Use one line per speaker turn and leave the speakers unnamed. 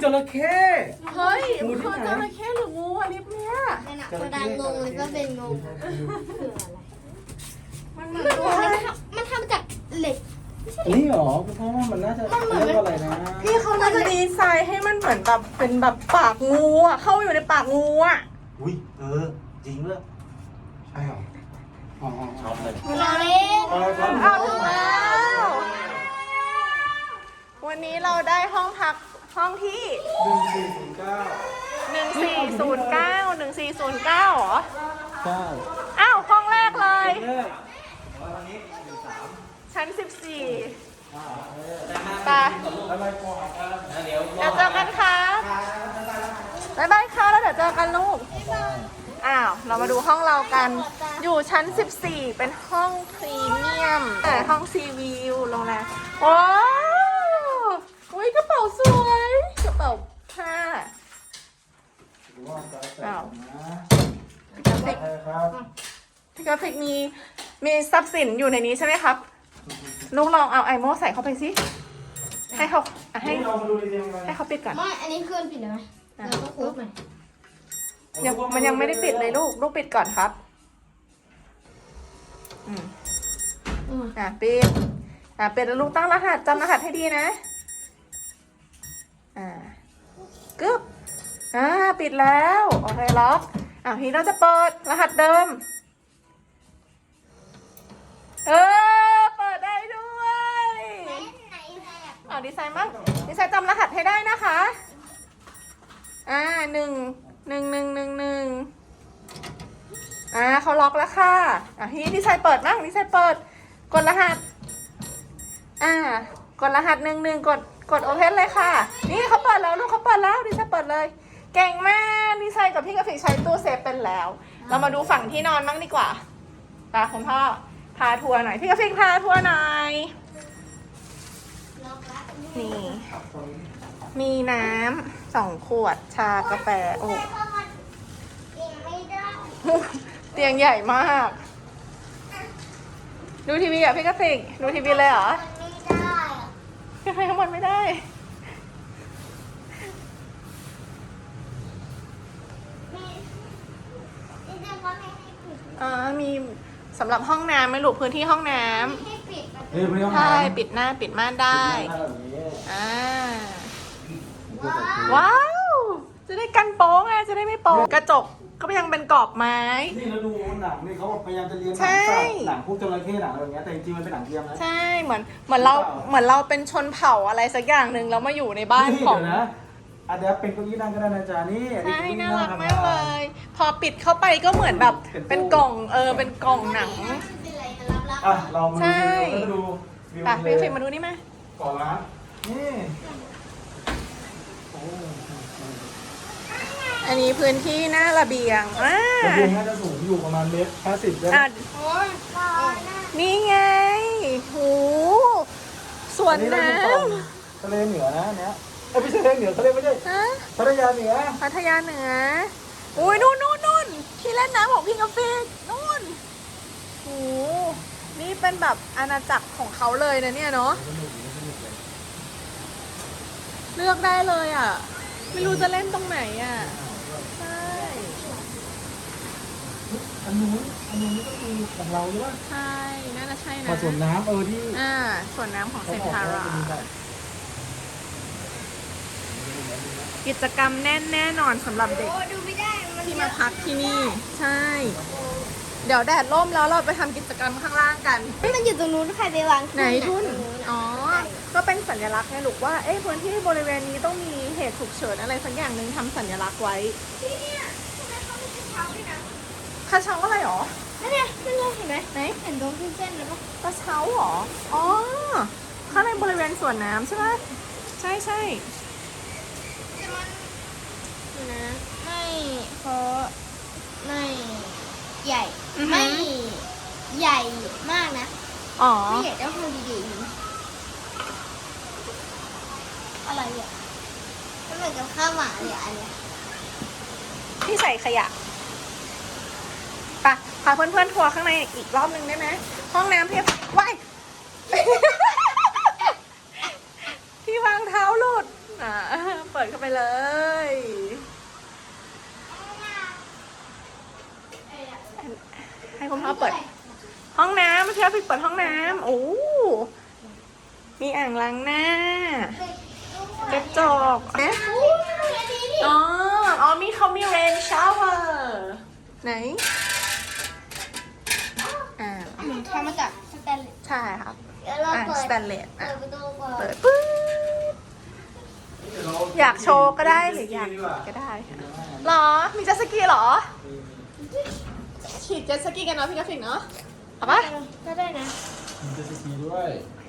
จระเข้
เฮ้ยมันคือจระเข้หรืองูอะลิฟเนี่ย
นั่นน่ะคนดังงงเลยก็เป็นงง
มันเหมือนตัวอะไร
มันทำจากเหล็ก
นี่หรอเพราะว่ามันน่าจะเรียกว่าอะไรนะ
พี่เขาน่าจะดีไซน์ให้มันเหมือนแบบเป็นแบบปากงูอะเข้าอยู่ในปากงูอะ
อุ้ยจริงเลย
ใช่หรออ๋อ
ชอบเลย
เราเล่น
เอาถึงแล้ววันนี้เราได้ห้องพักห้องที่
1409
1409เหรอ
ใช่
อ้าวห้องแรกเลย
แรก
ชั้น 14ไป
อะไรก่อนกัน
เดี๋ยว
เดี๋ยวเจอกันครับบ๊ายบายค่ะแล้วเดี๋ยวเจอกันลูก อ้าว เรามาดูห้องเรากัน อยู่ชั้น 14 เป็นห้องพรีเมียมห้องซีวิวโรงแรมว้าวอุ้ยกระเป๋าสวย กระเป๋าผ้า อ้าวพี่กราฟิก
ครับ
พี่กราฟิกมีทรัพย์สินอยู่ในนี้ใช่ไหมครับ ลูกลองเอาไอโม่ใส่เข้าไปสิ ให้เขาให้
นี่เรามาดูดีๆกัน
ให้เขาปิดก่อน
ไม่อันนี้เคลื่อนผิดเลยไหมเราต้องคุบใหม่
มันยังไม่ได้ปิดเลยลูกปิดก่อนครับ ปิดปิดแล้วลูกตั้งรหัสจำรหัสให้ดีนะกึ๊บปิดแล้วโอเคล็อกทีเราจะเปิดรหัสเดิมเปิดได้ด้วยดีไซน์มั้งดีไซน์จำรหัสให้ได้นะคะ1 เขาล็อกแล้วค่ะทีนี้ดีไซน์เปิดมั้งดีไซน์เปิดกดรหัสกดรหัสกดโอเพนเลยค่ะนี่เขาเปิดแล้วลูกเขาเปิดแล้วดีไซน์เปิดเลยเก่งมากดีไซน์กับพี่กราฟิกใช้ตู้เซฟเป็นแล้วเรามาดูฝั่งที่นอนมั้งดีกว่าคุณพ่อพาทัวร์หน่อยพี่กราฟิกพาทัวร์หน่อยนี่มีน้ำ2 ขวดชากาแฟโอ้เตียงใหญ่มากดูทีวีพี่กราฟิกดูทีวีเลยเหรอยังไงข้างบนไม่ได้มีสำหรับห้องน้ำไหมลูกพื้นที่ห้องน้ำใช่ปิดหน้าปิดม่านได้ว้าวจะได้กันโป๊ไงจะได้ไม่โป๊กระจกก็ยังเป็นกรอบไม้
นี่เราดูหนังนี่เขาพยายามจะเรียนหนัง
ใช่
สัตว์หนังพวกจระเข้หนังอะไรอย่างเงี้ยแต่จริงๆมันเป็นหนังเทียมนะ
ใช่เหมือนเราเป็นชนเผ่าอะไรสักอย่างหนึ่งแล้วมาอยู่ในบ้านของ
เดี๋ยวนะอันนี้เป็นเก้าอี้นั่งก็ได้นะจ๊ะนี่อันนี้
ใช่
เก้อี้
น่า
นั่ง
รัก
ธรร
มากเลย พอปิดเข้าไปก็เหมือนแบบเป็นกล่องเป็นกล่องหนัง
เรามา
ใช่
ดูวิว
พี่ฟิล์มมาดูนี่มา
ก่อนร้านนี่
อันนี้พื้นที่หน้าระเบียง
ระเบียงน่าจะสูงอยู่ประมาณ1.50 เมตร
นี่ไงโหสวนน้
ทะเลเหนือนะเนี้ยไม่ใช่ทะเลเหนือทะเลไม่ใช่
ำ
พัทยาเหนือ
พัทยาเหนืออุ้ยนู่นที่เล่นน้ำของพี่กาแฟนู่นโหนี่เป็นแบบอาณาจักรของเขาเลยนะเนี่ยเนาะเลือกได้เลยอ่ะไม่รู้จะเล่นตรงไหนอ่ะใช่
อันนู้นก็คือของเราใช่ปะ
ใช่น่าจะใช่นะ
มาสวนน้ำที่
ส่วนน้ำของเซนทารา
แบบ
กิจกรรมแน่นอนสำหรับเด็ก
ดูไม่ได้มัน
ที่มาพักที่นี่ใช่ เดี๋ยวแดดร่มแล้วเราไปทำกิจกรรมข้างล่างกัน
มันอยู่ตรงนู้นใครไปวาง
ไหนทุนอ๋อ ก็เป็นสัญลักษณ์ไงลูกว่าพื้นที่บริเวณนี้ต้องมีเหตุฉุกเฉินอะไรสักอย่างหนึ่งทำสัญลักษณ์ไว้
ที่เนี่ยทำไมเขาไม่ใช่เท้าด้วยนะ
กระเช้าอะไรหรอ
นั่นไงเห็นไหมไหนเห็นตรงที่เส้นเลยปะ
กระเช้าหรออ๋อข้างในบริเวณสวนน้ำใช่ไหมใช่
แต่มันนะไม่เพราะไม่ใหญ่ไม่ใหญ่มากนะ
อ๋อ
ไม่ใหญ่ต้องทำดีๆอะไรอ่ะมันเหมือนกับข้าวหมาเลยอันเนี้ย
ที่ใส่ขยะไปพาเพื่อนๆทัวร์ข้างในอีกรอบนึงได้ไหมห้องน้ำเพียบว้าย ที่วางเท้าหลุดเปิดดเข้าไปเลย ให้คุณพ่อเปิด ห้องน้ำพี่เอาพี่เปิดห้องน้ำโอ้มีอ่างล้างหน้ากระจกนะอ๋อมีเขามีเรนชาวเวอร์ไหน
ทำมาจากสแตนเลส
ใช่ครับ
เดี๋ยวเราเปิด
สแตนเลส
เปิดประตูก่อน
เปิดปึ๊บอยากโชว์ก็ได้หรืออยากก็ได้ค่ะหรอ มีเจ็ตสกีเหรอ ขี่เจ็ตสกีกันเนาะพี่กราฟิกเนาะเอาปะ
ก็ได้นะ
มีเจตสกีด้วย